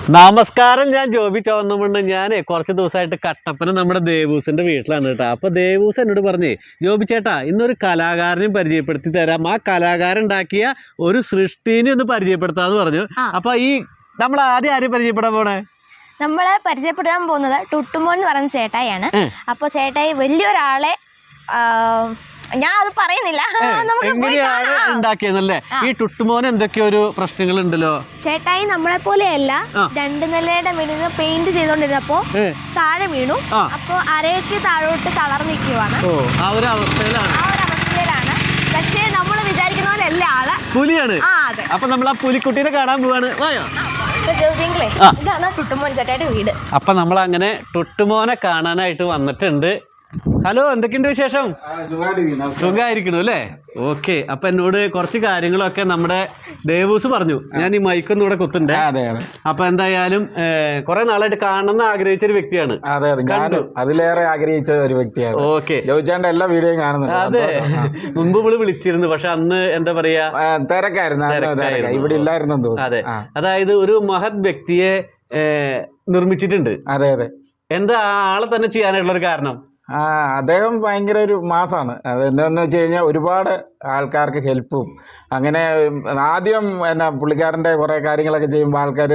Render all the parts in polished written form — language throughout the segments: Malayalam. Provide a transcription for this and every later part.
നമസ്കാരം, ഞാൻ ജോബി ചോന്നമുണ്ട്. ഞാൻ കുറച്ച് ദിവസമായിട്ട് കട്ടപ്പന നമ്മുടെ ദേവൂസിന്റെ വീട്ടിലാണ് കേട്ടോ. അപ്പൊ ദേവൂസ് എന്നോട് പറഞ്ഞേ, ജോബി ചേട്ടാ ഇന്നൊരു കലാകാരനെയും പരിചയപ്പെടുത്തി തരാം, ആ കലാകാരൻ ഉണ്ടാക്കിയ ഒരു സൃഷ്ടിനെ ഒന്ന് പരിചയപ്പെടുത്താന്ന് പറഞ്ഞു. അപ്പൊ ഈ നമ്മൾ ആദ്യം ആരെയും പരിചയപ്പെടാൻ പോണേ? നമ്മള് പരിചയപ്പെടാൻ പോകുന്നത് ടുട്ടുമോൻ എന്ന് പറയുന്ന ചേട്ടായിയാണ്. അപ്പൊ ചേട്ടായി വലിയൊരാളെ ഞാൻ അത് പറയുന്നില്ല, എങ്ങനെയാണ് ഉണ്ടാക്കിയതല്ലേ? ഈ ടുട്ടുമോൻ എന്തൊക്കെയോ ഒരു പ്രശ്നങ്ങൾ ഉണ്ടല്ലോ. ചേട്ടായി നമ്മളെ പോലെയല്ല, 2 നിലയുടെ വീടിന് പെയിന്റ് ചെയ്തോണ്ടിരുന്നപ്പോ താഴെ വീണു. അപ്പൊ അരയ്ക്ക് താഴോട്ട് തളർന്നിരിക്കുവാണ്. ആ ഒരു അവസ്ഥയിലാണ്. പക്ഷേ നമ്മൾ വിചാരിക്കുന്ന പോലെ അല്ല ആള് പുലിയാണ്. അപ്പൊ നമ്മൾ ആ പുലിക്കുട്ടീനെ കാണാൻ പോവാണ്. ഇതാണ് ടുട്ടുമോൻ ചേട്ടായുടെ വീട്. അപ്പൊ നമ്മൾ അങ്ങനെ ടുട്ടുമോനെ കാണാനായിട്ട് വന്നിട്ടുണ്ട്. ഹലോ, എന്തൊക്കെയുണ്ട് വിശേഷം? സുഖമായിരിക്കണു അല്ലേ? ഓക്കെ. അപ്പൊ എന്നോട് കുറച്ച് കാര്യങ്ങളൊക്കെ നമ്മുടെ ദേവൂസ് പറഞ്ഞു. ഞാൻ ഈ മൈക്കൊന്നും ഇവിടെ കുത്തുണ്ടേ. അപ്പൊ എന്തായാലും കുറെ നാളായിട്ട് കാണണമെന്ന് ആഗ്രഹിച്ച ഒരു വ്യക്തിയാണ്. അതിലേറെ ആഗ്രഹിച്ച ഒരു വ്യക്തിയാണ്. ഓക്കെ. ജോയിച്ചാണ്ട് എല്ലാ വീഡിയോയും കാണുന്നുണ്ട്. അതെ, മുമ്പ് ഇവിടെ വിളിച്ചിരുന്നു, പക്ഷെ അന്ന് എന്താ പറയാ, തിരക്കായിരുന്നു, ഇവിടെ ഇല്ലായിരുന്നു. അതെ, അതായത് ഒരു മഹത് വ്യക്തിയെ നിർമ്മിച്ചിട്ടുണ്ട്. അതെ അതെ. എന്താ ആളെ തന്നെ ചെയ്യാനായിട്ടുള്ള ഒരു കാരണം? അദ്ദേഹം ഭയങ്കര ഒരു മാസാണ്. അതെന്താന്ന് വെച്ച് കഴിഞ്ഞാൽ ഒരുപാട് ആൾക്കാർക്ക് ഹെൽപ്പും അങ്ങനെ. ആദ്യം എന്നാ പുള്ളിക്കാരന്റെ കുറെ കാര്യങ്ങളൊക്കെ ചെയ്യുമ്പോൾ ആൾക്കാർ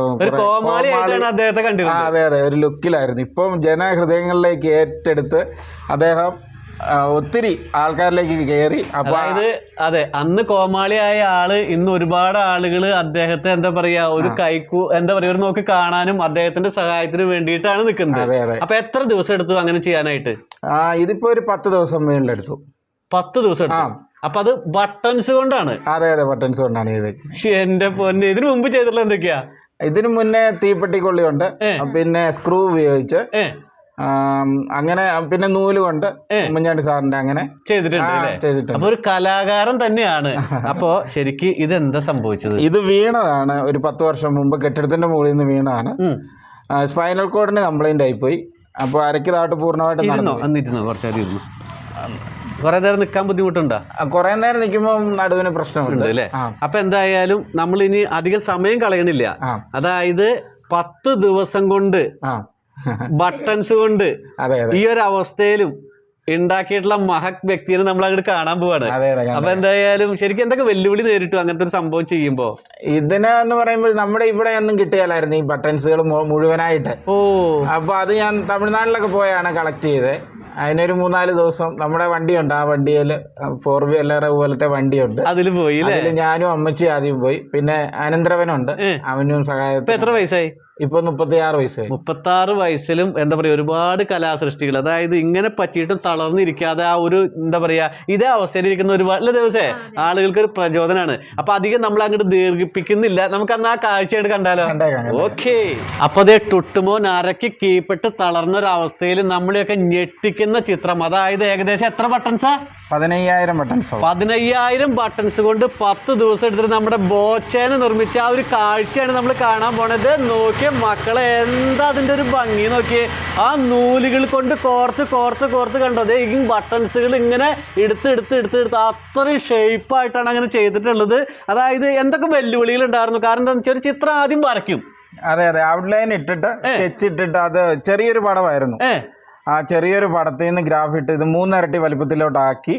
അതെ അതെ ഒരു ലുക്കിലായിരുന്നു. ഇപ്പം ജനഹൃദയങ്ങളിലേക്ക് ഏറ്റെടുത്ത് അദ്ദേഹം ഒത്തിരി ആൾക്കാരിലേക്ക് കയറി. അതെ, അന്ന് കോമാളിയായ ആള് ഇന്ന് ഒരുപാട് ആളുകൾ അദ്ദേഹത്തെ എന്താ പറയാ ഒരു ഒരു നോക്കി കാണാനും അദ്ദേഹത്തിന്റെ സഹായത്തിന് വേണ്ടിയിട്ടാണ് നിൽക്കുന്നത്. അതെ അതെ. അപ്പൊ എത്ര ദിവസം എടുത്തു അങ്ങനെ ചെയ്യാനായിട്ട്? ഇതിപ്പോ ഒരു 10 ദിവസം മേളിലെടുത്തു. 10 ദിവസം എടുത്തു. അപ്പൊ അത് ബട്ടൺസ് കൊണ്ടാണ്? അതെ അതെ, ബട്ടൺസ് കൊണ്ടാണ് ഇത്. എന്റെ പൊന്നെ, ഇതിനു മുമ്പ് ചെയ്തിട്ടുള്ള എന്തൊക്കെയാ? ഇതിനു മുന്നേ തീപ്പെട്ടിക്കൊള്ളിയുണ്ട്, പിന്നെ സ്ക്രൂ ഉപയോഗിച്ച് അങ്ങനെ, പിന്നെ നൂല് കൊണ്ട് ഉമ്മൻചാണ്ടി സാറിന്റെ അങ്ങനെ ചെയ്തിട്ടുണ്ട്. അപ്പൊ ഒരു കലാകാരൻ തന്നെയാണ്. അപ്പൊ ശരിക്ക് ഇതെന്താ സംഭവിച്ചത്? ഇത് വീണതാണ് ഒരു 10 വർഷം മുമ്പ്. കെട്ടിടത്തിന്റെ മുകളിൽ നിന്ന് വീണതാണ്. സ്പൈനൽ കോഡിന് കംപ്ലൈന്റ് ആയിപ്പോയി. അപ്പൊ അരയ്ക്ക് താട്ട് പൂർണ്ണമായിട്ട് കുറച്ചേരം കുറെ നേരം നിൽക്കാൻ ബുദ്ധിമുട്ടുണ്ടോ? കുറെ നേരം നിൽക്കുമ്പോൾ നടുവിന് പ്രശ്നമുണ്ട് അല്ലേ? അപ്പൊ എന്തായാലും നമ്മൾ ഇനി അധികം സമയം കളയണില്ല. അതായത് 10 ദിവസം കൊണ്ട് ബട്ടൺസ് കൊണ്ട് ഈ ഒരു അവസ്ഥയിലും ഉണ്ടാക്കിയിട്ടുള്ള മഹത് വ്യക്തിയെ നമ്മൾ അങ്ങോട്ട് കാണാൻ പോവാണ്. അപ്പൊ എന്തായാലും ശരിക്കും എന്തൊക്കെ വെല്ലുവിളി നേരിട്ടു അങ്ങനത്തെ ഒരു സംഭവം ചെയ്യുമ്പോ? ഇതിനെന്ന് പറയുമ്പോൾ നമ്മുടെ ഇവിടെ ഒന്നും കിട്ടിയാലായിരുന്നു ഈ ബട്ടൺസുകൾ മുഴുവനായിട്ട്. അപ്പൊ അത് ഞാൻ തമിഴ്നാട്ടിലൊക്കെ പോയാണ് കളക്ട് ചെയ്തത്. അതിനൊരു 3-4 ദിവസം നമ്മുടെ വണ്ടിയുണ്ട്. ആ വണ്ടിയിൽ 4 വീലർ പോലത്തെ വണ്ടിയുണ്ട്. അതിൽ പോയി. അതിൽ ഞാനും അമ്മച്ചി ആദ്യം പോയി. പിന്നെ അനന്തരവനുണ്ട്, അവനും സഹായത്തിന്. എത്ര വയസ്സായി? ഇപ്പൊ 36 വയസ്സായി. 36 വയസ്സിലും എന്താ പറയാ ഒരുപാട് കലാസൃഷ്ടികൾ. അതായത് ഇങ്ങനെ പറ്റിയിട്ടും തളർന്നിരിക്കാതെ ആ ഒരു എന്താ പറയാ ഇതേ അവസ്ഥയിലിരിക്കുന്ന ഒരുപാട് ദിവസേ ആളുകൾക്ക് ഒരു പ്രചോദനമാണ്. അപ്പൊ അധികം നമ്മൾ അങ്ങോട്ട് ദീർഘിപ്പിക്കുന്നില്ല, നമുക്ക് അന്ന് ആ കാഴ്ചയായിട്ട് കണ്ടാലോ? ഓക്കെ. അപ്പൊ അതേ ടുട്ടുമോൻ അരക്ക് കീഴ്പ്പെട്ട് തളർന്ന ഒരു അവസ്ഥയിൽ നമ്മളെയൊക്കെ ഞെട്ടിക്കുന്ന ചിത്രം. അതായത് ഏകദേശം എത്ര ബട്ടൺസാ? 15,000 ബട്ടൺസ്. 15,000 ബട്ടൺസ് കൊണ്ട് 10 ദിവസം എടുത്തിട്ട് നമ്മുടെ ബോച്ചേനെ നിർമ്മിച്ച ആ ഒരു കാഴ്ചയാണ് നമ്മൾ കാണാൻ പോണത്. നോക്കിയ മക്കളെ, എന്താ അതിന്റെ ഒരു ഭംഗി നോക്കിയേ. ആ നൂലുകൾ കൊണ്ട് കോർത്ത് കണ്ടത് ഈ ബട്ടൺസുകൾ ഇങ്ങനെ എടുത്ത് അത്രയും ഷേപ്പായിട്ടാണ് അങ്ങനെ ചെയ്തിട്ടുള്ളത്. അതായത് എന്തൊക്കെ വെല്ലുവിളികൾ ഉണ്ടായിരുന്നു? കാരണം എന്താണെന്ന് വെച്ചാൽ ഒരു ചിത്രം ആദ്യം വരയ്ക്കും. അതെ അതെ, ഔട്ട്ലൈൻ ഇട്ടിട്ട് സ്കെച്ച് ഇട്ടിട്ട് അത് ചെറിയൊരു പടമായിരുന്നു. ആ ചെറിയൊരു പടത്തിൽ നിന്ന് ഗ്രാഫ് ഇട്ട് ഇത് 3 ഇരട്ടി വലിപ്പത്തിലോട്ടാക്കി.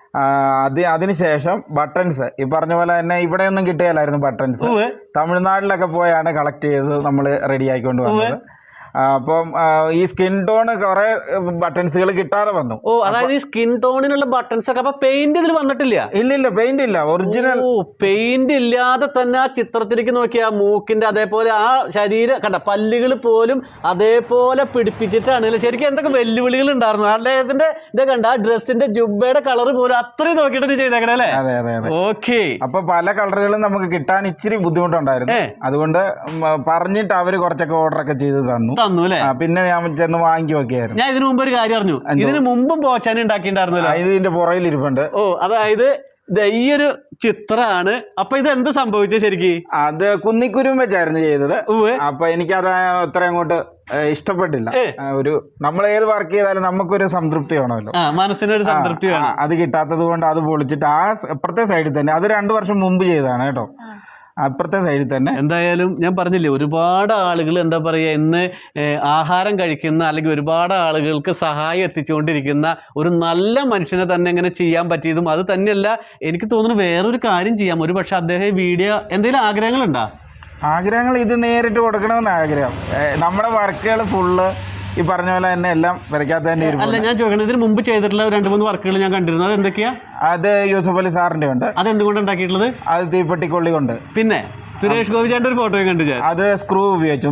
അതിനുശേഷം ബട്ടൺസ് ഈ പറഞ്ഞ പോലെ തന്നെ ഇവിടെ ഒന്നും കിട്ടിയാലായിരുന്നു ബട്ടൺസ്. തമിഴ്നാട്ടിലൊക്കെ പോയാണ് കളക്ട് ചെയ്ത് നമ്മൾ റെഡി ആയിക്കൊണ്ട് വന്നത്. അപ്പം ഈ സ്കിൻ ടോൺ കുറെ ബട്ടൺസുകൾ കിട്ടാതെ വന്നു. അതായത് ഈ സ്കിൻ ടോണിനുള്ള ബട്ടൺസ് ഒക്കെ. അപ്പൊ പെയിന്റ് ഇതിൽ വന്നിട്ടില്ല? ഇല്ല, പെയിന്റ് ഇല്ല, ഒറിജിനൽ. പെയിന്റ് ഇല്ലാതെ തന്നെ ആ ചിത്രത്തിലേക്ക് നോക്കിയാ മൂക്കിന്റെ അതേപോലെ ആ ശരീരം കണ്ട പല്ലുകൾ പോലും അതേപോലെ പിടിപ്പിച്ചിട്ടാണ്. ശരിക്കും എന്തൊക്കെ വെല്ലുവിളികൾ ഉണ്ടായിരുന്നു അദ്ദേഹത്തിന്റെ. ഇത് കണ്ട ആ ഡ്രസ്സിന്റെ ജുബയുടെ കളർ പോലും അത്രയും നോക്കിയിട്ട് ചെയ്തേക്കണേ അല്ലേ? അതെ അതെ അതെ. ഓക്കെ. അപ്പൊ പല കളറുകളും നമുക്ക് കിട്ടാൻ ഇച്ചിരി ബുദ്ധിമുട്ടുണ്ടായിരുന്നു. അതുകൊണ്ട് പറഞ്ഞിട്ട് അവര് കുറച്ചൊക്കെ ഓർഡർ ഒക്കെ ചെയ്ത് തന്നു. പിന്നെ ഞാൻ ചെന്ന് വാങ്ങി നോക്കിയായിരുന്നു. ഞാൻ ഇതിനു മുമ്പ് ഒരു കാര്യം അറിഞ്ഞു. ഇതിന് മുമ്പും ബോച്ചാൻ ഉണ്ടാക്കിയിട്ടുണ്ടായിരുന്നല്ലോ. ഇതിന്റെ പുറകിൽ ഇരിപ്പുണ്ട്. അതായത് ഈ ഒരു ചിത്രമാണ്. അപ്പൊ ഇത് എന്ത് സംഭവിച്ചു ശരിക്കും? അത് കുന്നിക്കുരും വെച്ചായിരുന്നു ചെയ്തത്. അപ്പൊ എനിക്കത് അത്ര അങ്ങോട്ട് ഇഷ്ടപ്പെട്ടില്ല. ഒരു നമ്മൾ ഏത് വർക്ക് ചെയ്താലും നമുക്കൊരു സംതൃപ്തി വേണമല്ലോ, മനസ്സിനൊരു സംതൃപ്തി. അത് കിട്ടാത്തത് കൊണ്ട് അത് പൊളിച്ചിട്ട് ആ അപ്പുറത്തെ സൈഡിൽ തന്നെ അത് 2 വർഷം മുമ്പ് ചെയ്തതാണ് കേട്ടോ. അപ്പുറത്തെ സൈഡിൽ തന്നെ. എന്തായാലും ഞാൻ പറഞ്ഞില്ലേ, ഒരുപാട് ആളുകൾ എന്താ പറയുക ഇന്ന് ആഹാരം കഴിക്കുന്ന അല്ലെങ്കിൽ ഒരുപാട് ആളുകൾക്ക് സഹായം എത്തിച്ചുകൊണ്ടിരിക്കുന്ന ഒരു നല്ല മനുഷ്യനെ തന്നെ ഇങ്ങനെ ചെയ്യാൻ പറ്റിയതും, അത് തന്നെയല്ല എനിക്ക് തോന്നുന്നു വേറൊരു കാര്യം ചെയ്യാം. ഒരു പക്ഷെ അദ്ദേഹം വീഡിയോ എന്തെങ്കിലും ആഗ്രഹങ്ങളുണ്ടോ? ആഗ്രഹങ്ങൾ ഇത് നേരിട്ട് കൊടുക്കണമെന്ന് ആഗ്രഹം. നമ്മുടെ വർക്കുകൾ ഫുള്ള് ഈ പറഞ്ഞ പോലെ തന്നെ എല്ലാം വരയ്ക്കാത്ത തന്നെ. അല്ല, ഞാൻ ചോദിക്കുന്നത് ഇതിന് മുമ്പ് ചെയ്തിട്ടുള്ള 2-3 വർക്കുകൾ ഞാൻ കണ്ടിരുന്നു, അത് എന്തൊക്കെയാ? അത് യൂസഫ് അലി സാറിന്റെ ഉണ്ട്. അത് എന്തുകൊണ്ട് ഉണ്ടാക്കിയിട്ടുള്ളത്? അത് തീപ്പെട്ടിക്കൊള്ളി കൊണ്ട്. പിന്നെ സുരേഷ് ഗോപിച്ചാന്റെ ഒരു ഫോട്ടോ കണ്ടു ഞാൻ. അത് സ്ക്രൂ ഉപയോഗിച്ചു.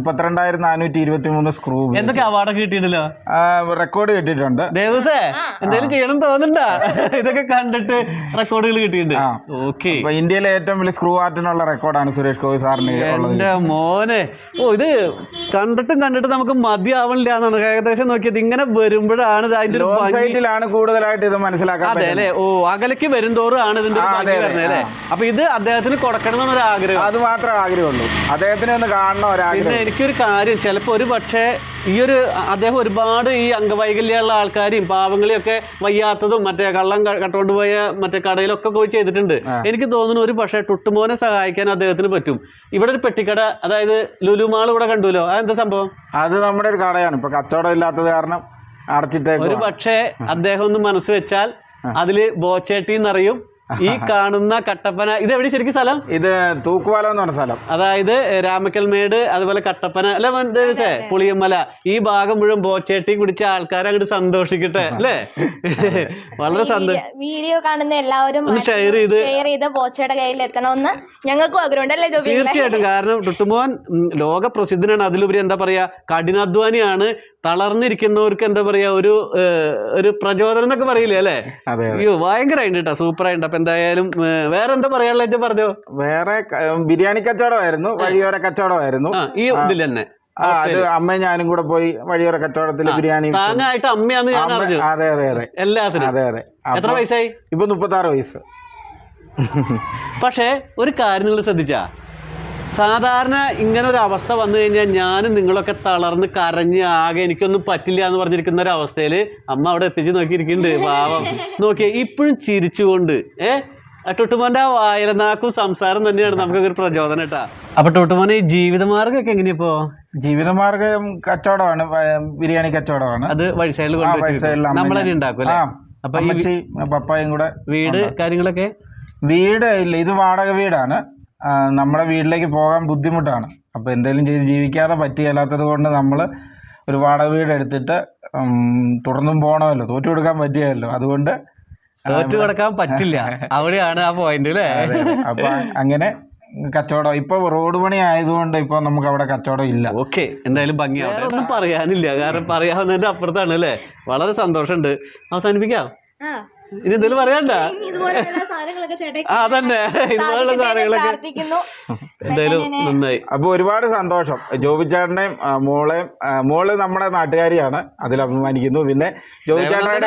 32,423 സ്ക്രൂ. എന്തൊക്കെ അവാർഡൊക്കെ കിട്ടിയിട്ടല്ലോ? റെക്കോർഡ് കിട്ടിയിട്ടുണ്ട്. ദേവസേ എന്തെങ്കിലും ചെയ്യണം തോന്നുന്നുണ്ടാ? ഇതൊക്കെ കണ്ടിട്ട് റെക്കോർഡുകൾ കിട്ടിയിട്ടുണ്ട്. ഓക്കെ, ഇന്ത്യയിലെ ഏറ്റവും വലിയ സ്ക്രൂ ആർട്ടിനുള്ള റെക്കോർഡാണ് സുരേഷ് ഗോപി സാറിന്. എന്റെ മോനെ, ഇത് കണ്ടിട്ടും നമുക്ക് മതിയാവണില്ല എന്നാണ് ഏകദേശം നോക്കിയത്. ഇങ്ങനെ വരുമ്പോഴാണ് അതിന്റെ സൈറ്റിലാണ് കൂടുതലായിട്ട് ഇത് മനസ്സിലാക്കാൻ. അതെ അല്ലെ? ഓ, അകലേക്ക് വരുംതോറും ആണ് ഇതിന്റെ അല്ലേ? അപ്പൊ ഇത് അദ്ദേഹത്തിന് കൊടുക്കണം എന്നൊരു ആഗ്രഹം. അത് മാത്രമേ ആഗ്രഹമുള്ളൂ, അദ്ദേഹത്തിന് ഒന്ന് കാണണം ഒരാഗ്രഹം. പിന്നെ എനിക്കൊരു കാര്യം, ചിലപ്പോൾ ഒരു പക്ഷേ ഈ ഒരു അദ്ദേഹം ഒരുപാട് ഈ അംഗവൈകല്യമുള്ള ആൾക്കാരെയും പാവങ്ങളെയും ഒക്കെ വയ്യാത്തതും മറ്റേ കള്ളം കട്ടുകൊണ്ട് പോയ മറ്റേ കടയിലൊക്കെ പോയി ചെയ്തിട്ടുണ്ട്. എനിക്ക് തോന്നുന്നു ഒരു പക്ഷേ ടുട്ടുമോനെ സഹായിക്കാൻ അദ്ദേഹത്തിന് പറ്റും. ഇവിടെ ഒരു പെട്ടിക്കട, അതായത് ലുലുമാൾ ഇവിടെ കണ്ടുല്ലോ, അതെന്താ സംഭവം? അത് നമ്മുടെ ഒരു കടയാണ്, ഇപ്പൊ കച്ചവടം ഇല്ലാത്തത് കാരണം അടച്ചിട്ടേക്കും. ഒരു പക്ഷേ അദ്ദേഹം ഒന്ന് മനസ്സ് വെച്ചാൽ അതില് ബോച്ചേട്ടി എന്നറിയും. ഈ കാണുന്ന കട്ടപ്പന, ഇത് എവിടെ ശരിക്കും സ്ഥലം? ഇത് തൂക്കുപാലം എന്ന് പറഞ്ഞ സ്ഥലം. അതായത് രാമക്കൽമേട്, അതുപോലെ കട്ടപ്പന അല്ലെ, ദേവസേ പുളിയമ്മല, ഈ ഭാഗം മുഴുവൻ ബോച്ചേട്ടി കുടിച്ച ആൾക്കാരെ അങ്ങോട്ട് സന്തോഷിക്കട്ടെ അല്ലേ? വളരെ സന്തോഷം. വീഡിയോ കാണുന്ന എല്ലാവരും ഷെയർ ചെയ്ത് ബോച്ചയുടെ കയ്യിൽ എത്തണമെന്ന് ഞങ്ങൾക്കും ആഗ്രഹമുണ്ടല്ലേ ജോബി? തീർച്ചയായിട്ടും. കാരണം ടുട്ടുമോൻ ലോക പ്രസിദ്ധനാണ്. അതിലുപരി എന്താ പറയാ, കഠിനാധ്വാനിയാണ്. തളർന്നിരിക്കുന്നവർക്ക് എന്താ പറയാ ഒരു പ്രചോദനം എന്നൊക്കെ പറയില്ലേ അല്ലേ? അയ്യോ, ഭയങ്കരമായിട്ട് കേട്ടോ, സൂപ്പറായിട്ട്. അപ്പൊ എന്തായാലും വേറെ എന്താ പറയാനുള്ള പറഞ്ഞോ? വേറെ ബിരിയാണി കച്ചവടമായിരുന്നു, വഴിയോര കച്ചവടമായിരുന്നു ഈ ഇതിൽ തന്നെ. അത് അമ്മയും ഞാനും കൂടെ പോയി വഴിയോര കച്ചവടത്തിൽ ബിരിയാണി താങ്ങായിട്ട് അമ്മയാന്ന് ഞാൻ അറിഞ്ഞു. അതെ അതെ അതെ, എല്ലാത്തിനും. അതെ അതെ. എത്ര വയസ്സായി? ഇപ്പൊ 36 വയസ്സ്. പക്ഷേ ഒരു കാര്യം നിങ്ങൾ ശ്രദ്ധിച്ചാ, സാധാരണ ഇങ്ങനെ ഒരു അവസ്ഥ വന്നു കഴിഞ്ഞാൽ ഞാനും നിങ്ങളൊക്കെ തളർന്ന് കരഞ്ഞ് ആകെ എനിക്കൊന്നും പറ്റില്ല എന്ന് പറഞ്ഞിരിക്കുന്ന ഒരു അവസ്ഥയിൽ അമ്മ അവിടെ എത്തിച്ച് നോക്കിയിരിക്കുന്നുണ്ട്. പാവം നോക്കിയേ, ഇപ്പോഴും ചിരിച്ചുകൊണ്ട്. ടുട്ടുമോന്റെ ആ വായലനാക്കും സംസാരം തന്നെയാണ് നമുക്കൊക്കെ ഒരു പ്രചോദനം കേട്ടാ. അപ്പൊ ടുട്ടുമോനെ ഈ ജീവിതമാർഗ്ഗമൊക്കെ എങ്ങനെയപ്പോ? ജീവിതമാർഗ്ഗം കച്ചവടമാണ്, ബിരിയാണി കച്ചവടമാണ്. അത് വഴി സൈഡിൽ നമ്മൾ തന്നെ ഉണ്ടാക്കും അല്ലേ? അപ്പൊ പപ്പായും കൂടെ. വീട് കാര്യങ്ങളൊക്കെ? വീട് ഇല്ല, ഇത് വാടക വീടാണ്. നമ്മുടെ വീട്ടിലേക്ക് പോകാൻ ബുദ്ധിമുട്ടാണ്. അപ്പോൾ എന്തെങ്കിലും ചെയ്ത് ജീവിക്കാതെ പറ്റിയല്ലാത്തത് കൊണ്ട് നമ്മൾ ഒരു വാടക വീട് എടുത്തിട്ട് തുടർന്നും പോകണമല്ലോ, തോറ്റു കൊടുക്കാൻ പറ്റിയല്ലോ. അതുകൊണ്ട് തോറ്റു കൊടുക്കാൻ പറ്റില്ല, അവിടെയാണ് ആ പോയിന്റ് അല്ലേ? അപ്പൊ അങ്ങനെ കച്ചവടം ഇപ്പൊ റോഡ് പണി ആയതുകൊണ്ട് ഇപ്പൊ നമുക്ക് അവിടെ കച്ചവടം ഇല്ല. ഓക്കെ, എന്തായാലും ഭംഗിയാവും. ഒന്നും പറയാനില്ല, കാരണം പറയാവുന്നതിന്റെ അപ്പുറത്താണ് അല്ലേ? വളരെ സന്തോഷമുണ്ട്. അവസാനിപ്പിക്കാം. ഇനി എന്തെങ്കിലും പറയാണ്ട? അതന്നെ, ഇതുപോലുള്ള സാധനങ്ങളൊക്കെ എന്തായാലും നന്നായി. അപ്പൊ ഒരുപാട് സന്തോഷം. ജോബിച്ചേട്ടനെയും മോള് നമ്മുടെ നാട്ടുകാരിയാണ്, അതിൽ അഭിമാനിക്കുന്നു. പിന്നെ ജോബിച്ചേട്ടയുടെ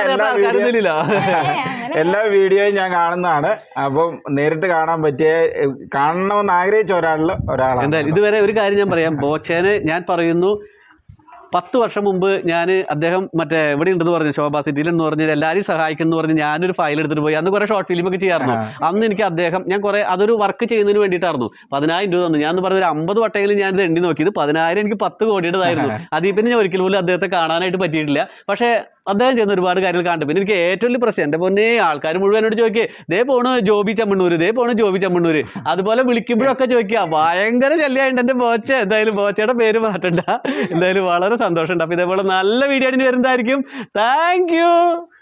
എല്ലാ വീഡിയോയും ഞാൻ കാണുന്നതാണ്. അപ്പം നേരിട്ട് കാണണമെന്ന് ആഗ്രഹിച്ച ഒരാളാണ്. എന്തായാലും ഇതുവരെ ഒരു കാര്യം ഞാൻ പറയാം, ബോച്ചേനെ ഞാൻ പറയുന്നു, 10 വർഷം മുമ്പ് ഞാൻ അദ്ദേഹം മറ്റേ ഇവിടെ ഉണ്ടെന്ന് പറഞ്ഞു, ശോഭാ സിറ്റിയിൽ എന്ന് പറഞ്ഞാൽ എല്ലാവരും സഹായിക്കുന്നു എന്ന് പറഞ്ഞ് ഞാനൊരു ഫയൽ എടുത്തിട്ട് പോയി. അന്ന് കുറേ ഷോർട്ട് ഫിലിമൊക്കെ ചെയ്യാറുണ്ട്. അന്ന് എനിക്ക് അദ്ദേഹം ഞാൻ കുറേ അതൊരു വർക്ക് ചെയ്യുന്നതിന് വേണ്ടിയിട്ടായിരുന്നു. 10,000 രൂപ തന്നു. ഞാൻ പറഞ്ഞ ഒരു 50 വട്ടമെങ്കിലും ഞാനിത് എണ്ണി നോക്കിയത് 10,000 എനിക്ക് 10 കോടിയുടേതായിരുന്നു. അതിൽ പിന്നെ ഞാൻ ഒരിക്കൽ പോലും അദ്ദേഹത്തെ കാണാനായിട്ട് പറ്റിയിട്ടില്ല. പക്ഷേ അദ്ദേഹം ചെയ്യുന്ന ഒരുപാട് കാര്യങ്ങൾ കണ്ടു. പിന്നെ എനിക്ക് ഏറ്റവും വലിയ പ്രശ്നം, എൻ്റെ പൊന്നേ ആൾക്കാർ മുഴുവനോട് ചോദിക്കേ, ദേ പോണു ജോബി ചമ്മണ്ണൂർ. അതുപോലെ വിളിക്കുമ്പോഴൊക്കെ ചോദിക്കുക, ഭയങ്കര ശല്യമായിട്ട് എൻ്റെ ബോച്ച. എന്തായാലും ബോച്ചയുടെ പേര് മാറ്റണ്ട. എന്തായാലും വളരെ സന്തോഷമുണ്ട്. അപ്പോൾ ഇതേപോലെ നല്ല വീഡിയോ ആയിട്ട് വരുന്നതായിരിക്കും. Thank U.